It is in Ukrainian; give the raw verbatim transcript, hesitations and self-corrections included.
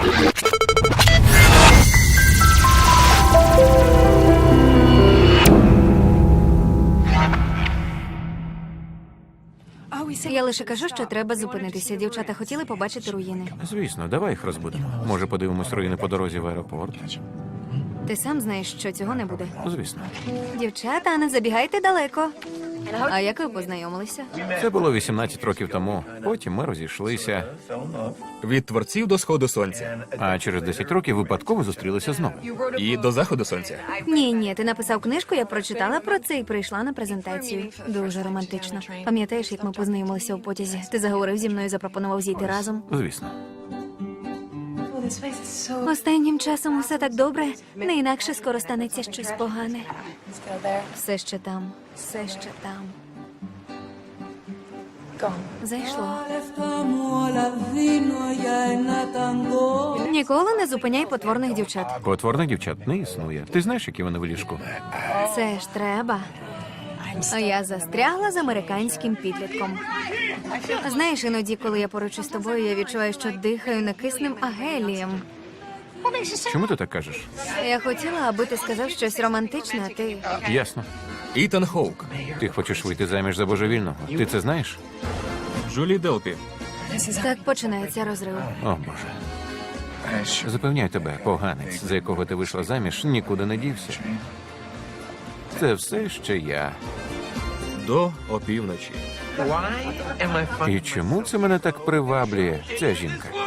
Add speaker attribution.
Speaker 1: Я лише кажу, що треба зупинитися. Дівчата хотіли побачити руїни.
Speaker 2: Звісно, давай їх розбудемо. Може, подивимось руїни по дорозі в аеропорт?
Speaker 1: Ти сам знаєш, що цього не буде.
Speaker 2: Звісно.
Speaker 1: Дівчата, не забігайте далеко. А як ви познайомилися?
Speaker 2: Це було вісімнадцять років тому. Потім ми розійшлися,
Speaker 3: Від творців до сходу сонця.
Speaker 2: а через десять років випадково зустрілися знову.
Speaker 3: І до заходу сонця.
Speaker 1: Ні, ні, ти написав книжку, я прочитала про це і прийшла на презентацію. Дуже романтично. Пам'ятаєш, як ми познайомилися у потязі? Ти заговорив зі мною і запропонував зійти разом.
Speaker 2: Звісно.
Speaker 1: Останнім часом усе так добре, не інакше скоро станеться щось погане. Все ще там, все ще там. Зайшло. Ніколи не зупиняй потворних дівчат.
Speaker 2: Потворних дівчат не існує. Ти знаєш, які вони в ліжку?
Speaker 1: Це ж треба. А я застрягла з американським підлітком. Знаєш, іноді, коли я поруч із тобою, я відчуваю, що дихаю не киснем, а гелієм.
Speaker 2: Чому ти так кажеш?
Speaker 1: Я хотіла, аби ти сказав щось романтичне, а ти...
Speaker 2: Ясно.
Speaker 3: Ітан Хоук.
Speaker 2: Ти хочеш вийти заміж за божевільного. Ти це знаєш?
Speaker 3: Джулі Делпі.
Speaker 1: Так починається розрив.
Speaker 2: О, Боже. Запевняю тебе, поганець, за якого ти вийшла заміж, нікуди не дівся. Це все ще я.
Speaker 3: До опівночі.
Speaker 2: І чому це мене так приваблює, ця жінка?